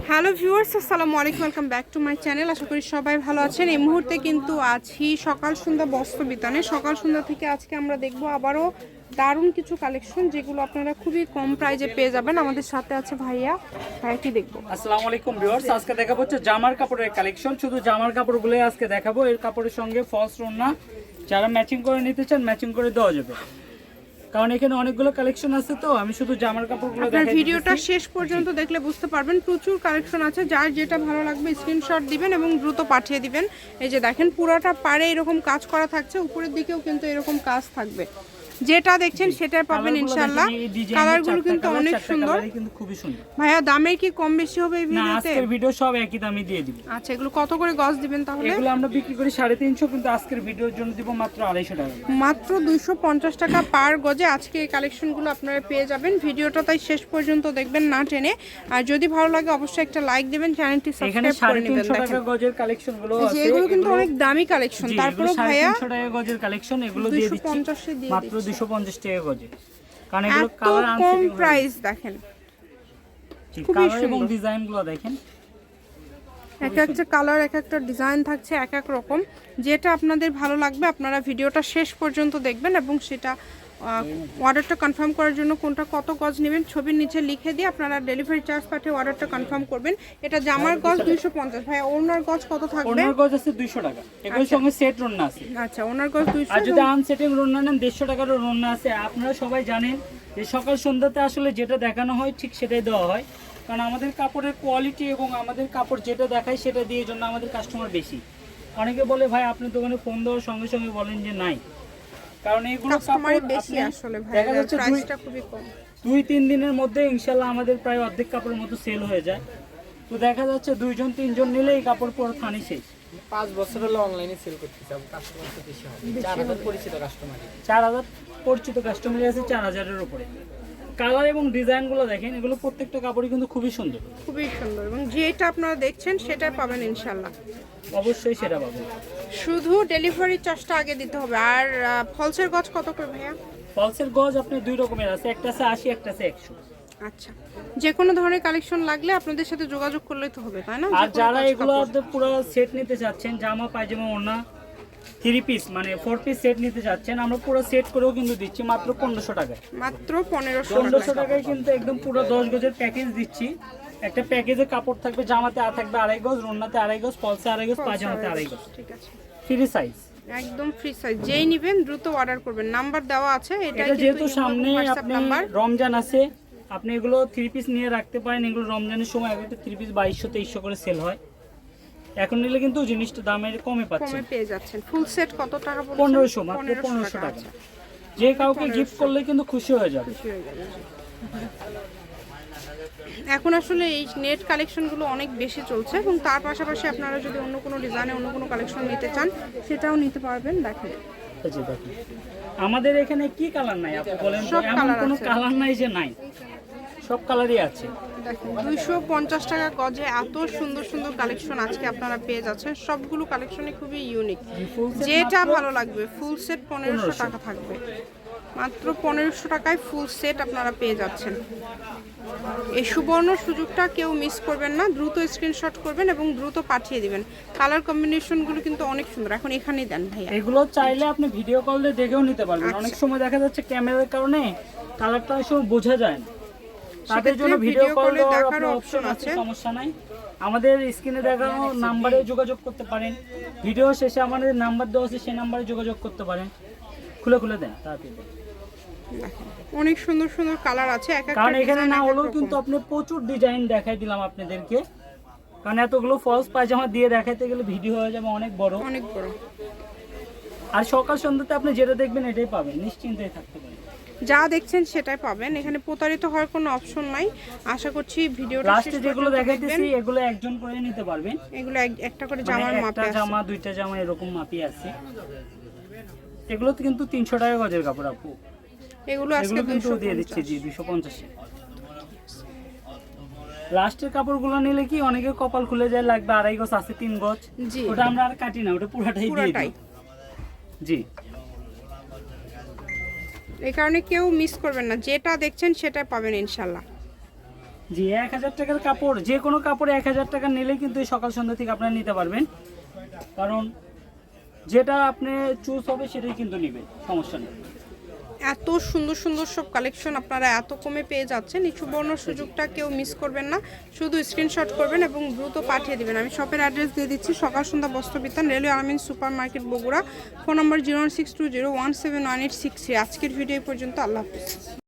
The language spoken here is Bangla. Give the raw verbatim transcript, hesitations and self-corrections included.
হ্যালো ভিউয়ার্স, আসসালামু আলাইকুম, welcome back to my channel. আশা করি সবাই ভালো আছেন। এই মুহূর্তে কিন্তু আছি সকাল সন্ধ্যা বস্ত্র বিতানে। সকাল সন্ধ্যা থেকে আজকে আমরা দেখব আবারও দারুণ কিছু কালেকশন, যেগুলো আপনারা খুবই কম প্রাইজে পেয়ে যাবেন। আমাদের সাথে আছে ভাইয়া, ভাইয়া কি দেখবো? আসসালামু আলাইকুম ভিউয়ার্স, আজকে দেখাবো হচ্ছে জামার কাপড়ের কালেকশন। শুধু জামার কাপড়গুলো আজকে দেখাবো। এর কাপড়ের সঙ্গে ফলস ওড়না, যারা ম্যাচিং করে নিতে চান ম্যাচিং করে দেওয়া যাবে, কারণ এখানে অনেকগুলো কালেকশন আছে। তো আমি শুধু জামার কাপড়গুলো আপনার দেখাই। ভিডিওটা শেষ পর্যন্ত দেখলে বুঝতে পারবেন, প্রচুর কালেকশন আছে। যার যেটা ভালো লাগবে স্ক্রিনশট দিবেন এবং দ্রুত পাঠিয়ে দিবেন। এই যে দেখেন, পুরোটা পাড়ে এরকম কাজ করা থাকছে, উপরের দিকেও কিন্তু এরকম কাজ থাকবে। যেটা দেখছেন সেটাই পাবেন ইনশাআল্লাহ। কালারগুলো কিন্তু অনেক সুন্দর, কিন্তু খুবই সুন্দর। ভাইয়া দামের কি কম বেশি হবে এই না, ভিডিওতে? আজকের ভিডিও সব একই দামে দিয়ে দিব। আচ্ছা, এগুলো কত করে গজ দিবেন তাহলে? এগুলো আমরা বিক্রি করি সাড়ে তিনশো, কিন্তু আজকের ভিডিওর জন্য দিব মাত্র আড়াইশো টাকা। মাত্র দুইশো পঞ্চাশ টাকা পার গজে আজকে এই কালেকশনগুলো আপনারা পেয়ে যাবেন। ভিডিওটা তাই শেষ পর্যন্ত দেখবেন না টেনে। আর যদি ভালো লাগে অবশ্যই একটা লাইক দিবেন, চ্যানেলটি সাবস্ক্রাইব করে নেবেন। টাকা গজের কালেকশনগুলো আছে, এগুলো কিন্তু অনেক দামি কালেকশন। তারপরে ভাইয়া তিনশো টাকা গজের কালেকশন, এগুলো দিয়ে দিচ্ছি মাত্র দুইশো পঞ্চাশ টাকা গজে। কারণ এগুলো এত কালার কম প্রাইস দেখেন, খুবই কালার এবং ডিজাইনগুলো দেখেন। এক একটা কালার, এক একটা ডিজাইন থাকছে এক এক রকম। যেটা আপনাদের ভালো লাগবে আপনারা ভিডিওটা শেষ পর্যন্ত দেখবেন এবং সেটা অর্ডারটা কনফার্ম করার জন্য কোনটা কত গজ নেবেন ছবির নিচে লিখে দিয়ে আপনারা ডেলিভারি চার্জ পাঠিয়ে অর্ডারটা কনফার্ম করবেন। এটা জামার গজ দুইশো পঞ্চাশ। ভাই ওনার গজ কত থাকবে? ওনার গজ আছে দুইশো টাকা, এগুলোর সঙ্গে সেট রন্না আছে। আচ্ছা, ওনার গজ দুইশো। আর যদি আনসেটিং রন্না নেন দেড়শো টাকার রন্না আছে। আপনারা সবাই জানেন যে সকাল সন্ধ্যাতে আসলে যেটা দেখানো হয় ঠিক সেটাই দেওয়া হয়, কারণ আমাদের কাপড়ের কোয়ালিটি এবং আমাদের কাপড় যেটা দেখায় সেটা দিয়ে জন্য আমাদের কাস্টমার বেশি। অনেকে বলে ভাই আপনি দোকানে ফোন দেওয়ার সঙ্গে সঙ্গে বলেন যে নাই, কারণ এইগুলো কাপড় বেশি আসলে ভাই, দেখা যাচ্ছে প্রাইসটা খুবই কম। দুই তিন দিনের মধ্যে ইনশাল্লাহ আমাদের প্রায় অর্ধেক কাপড়ের মতো সেল হয়ে যায়। তো দেখা যাচ্ছে দুইজন তিনজন নিলে এই কাপড় পুরো থানি শেষ। পাঁচ বছর হলো অনলাইনে সেল করতেছি, কাস্টমার তো বেশি হয়। চার হাজার পরিচিত কাস্টমার, চার হাজার পরিচিত কাস্টমার আছে চার হাজারের উপরে। কালার এবং ডিজাইনগুলো দেখেন, এগুলো প্রত্যেকটা কাপড়ই কিন্তু খুবই সুন্দর, খুবই সুন্দর। এবং যেটা আপনারা দেখছেন সেটাই পাবেন ইনশাল্লাহ, অবশ্যই সেটা পাবেন। শুধু ডেলিভারি চার্জটা আগে দিতে হবে। আর ফলসের গজ কত করে ভাইয়া? ফলসের গজ আপনি দুই রকমের আছে, একটা আছে আশি, একটা আছে একশো। আচ্ছা, যে কোনো ধরনের কালেকশন লাগলে আপনাদের সাথে যোগাযোগ করলেই তো হবে, তাই না? আর যারা এগুলো পুরো সেট নিতে চাচ্ছেন, জামা পায়জামা ওড়না থ্রি পিস মানে ফোর পিস সেট নিতে চাচ্ছেন, আমরা পুরো সেট করেও কিন্তু দিচ্ছি মাত্র পনেরোশো টাকায়। মাত্র পনেরোশো পনেরোশো টাকায় কিন্তু একদম পুরো দশ গজের প্যাকেজ দিচ্ছি। একটা প্যাকেজে কাপড় থাকবে, জামাতে আর থাকবে আড়াই গজ, ওড়নাতে আড়াই গজ, ফলসে আড়াই গজ, পায়জামাতে আড়াই গজ। ঠিক আছে, ফ্রি সাইজ, একদম ফ্রি সাইজ। যেই নেবেন দ্রুত অর্ডার করবেন, নাম্বার দেওয়া আছে। এটা যেহেতু সামনে আপনি রমজান আছে, আপনি এগুলো থ্রি পিস নিয়ে রাখতে পারেন। এগুলো রমজানের সময় একটা থ্রি পিস বাইশশো তেইশশো করে সেল হয়। এখন নিলে কিন্তু জিনিসটা দামের কমে পাচ্ছেন, কমে পেয়ে যাচ্ছেন। ফুল সেট কত টাকা বলছেন? পনেরোশো, মাত্র পনেরোশো টাকা। যে কাউকে গিফট করলে কিন্তু খুশি হয়ে যাবে। এখন আসলে এই নেট কালেকশনগুলো অনেক বেশি চলছে এবং তার পাশাপাশি আপনারা যদি অন্য কোনো ডিজাইনে অন্য কোনো কালেকশন নিতে চান সেটাও নিতে পারবেন। দেখেন আমাদের এখানে কি কালার নাই আপনি বলেন? এমন কোনো কালার নাই যে নাই, সব কালারই আছে। দেখেন, দুইশো পঞ্চাশ টাকা গজে এত সুন্দর সুন্দর কালেকশন আজকে আপনারা পেয়ে যাচ্ছেন। সবগুলো কালেকশনই খুবই ইউনিক। যেটা ভালো লাগবে ফুল সেট পনেরোশো টাকা থাকবে, মাত্র পনেরোশো টাকায় ফুল সেট আপনারা পেয়ে যাচ্ছেন। এই সুবর্ণ সুযোগটা কেউ মিস করবেন না, দ্রুত স্ক্রিনশট করবেন এবং দ্রুত পাঠিয়ে দিবেন। কালার কম্বিনেশনগুলো কিন্তু অনেক সুন্দর। এখন এখানেই দেন ভাইয়া, এগুলো চাইলে আপনি ভিডিও কল দিয়ে দেখেও নিতে পারবেন। অনেক সময় দেখা যাচ্ছে ক্যামেরার কারণে কালারটা এসব বোঝা যায় না, তাদের জন্য ভিডিও কল দেখার অপশন আছে, সমস্যা নাই। আমাদের স্ক্রিনে দেখানো নাম্বারে যোগাযোগ করতে পারেন। ভিডিও শেষে আমাদের নাম্বার দেওয়া আছে, সেই নাম্বারে যোগাযোগ করতে পারেন। খুলে খুলে দেন তাড়াতাড়ি। অনেক সুন্দর সুন্দর কালার আছে, এক একটা কারণ এখানে না হলেও কিন্তু আপনি প্রচুর ডিজাইন দেখাই দিলাম আপনাদেরকে, কারণ এতগুলো ফলস পায়জামা দিয়ে দেখাইতে গেলে ভিডিও হয়ে যাবে অনেক বড় অনেক বড়। আর সকাল সন্ধ্যাতে আপনি যেটা দেখবেন এটাই পাবেন, নিশ্চিন্তে থাকতে পারেন। যা দেখছেন সেটাই পাবেন, এখানে প্রতারিত হওয়ার কোনো অপশন নাই। আশা করছি ভিডিওটা লাস্টে যেগুলো দেখাইতেছি এগুলো একজন করে নিতে পারবেন। এগুলো একটা করে জামার মাপে আছে, একটা জামা দুইটা জামা এরকম মাপই আছে। এগুলো তো কিন্তু তিনশো টাকা গজের কাপড় আপু, এগুলো আজকে কিন্তু দিয়ে দিচ্ছি জি দুইশো পঞ্চাশ। লাস্টের কাপড়গুলো নিলে কি অনেকে কপাল খুলে যায়, লাগবে আড়াই গজ আছে তিন গজ, ওটা আমরা আর কাটি না, ওটা পুরাটাই দিয়ে দিই জি। এই কারণে কেউ মিস করবেন না, যেটা দেখছেন সেটা পাবেন ইনশাল্লাহ। জি এক হাজার টাকার কাপড়, যে কোনো কাপড়ে এক হাজার টাকা নিলেই কিন্তু এই সকাল সন্ধ্যা থেকে আপনারা নিতে পারবেন, কারণ যেটা আপনি চুজ হবে সেটাই কিন্তু নেবেন, সমস্যা নেই। এত সুন্দর সুন্দর সব কালেকশন আপনারা এত কমে পেয়ে যাচ্ছেন। নিচু বর্ণর সুযোগটা কেউ মিস করবেন না, শুধু স্ক্রিনশট করবেন এবং দ্রুত পাঠিয়ে দিবেন। আমি শপের অ্যাড্রেস দিয়ে দিচ্ছি, Sakal Sandhya Bastra Bitan, railway Alamin super market Bogura. Phone number zero six two zero one seven one eight six three. আজকের ভিডিও পর্যন্ত, আল্লাহ হাফিজ।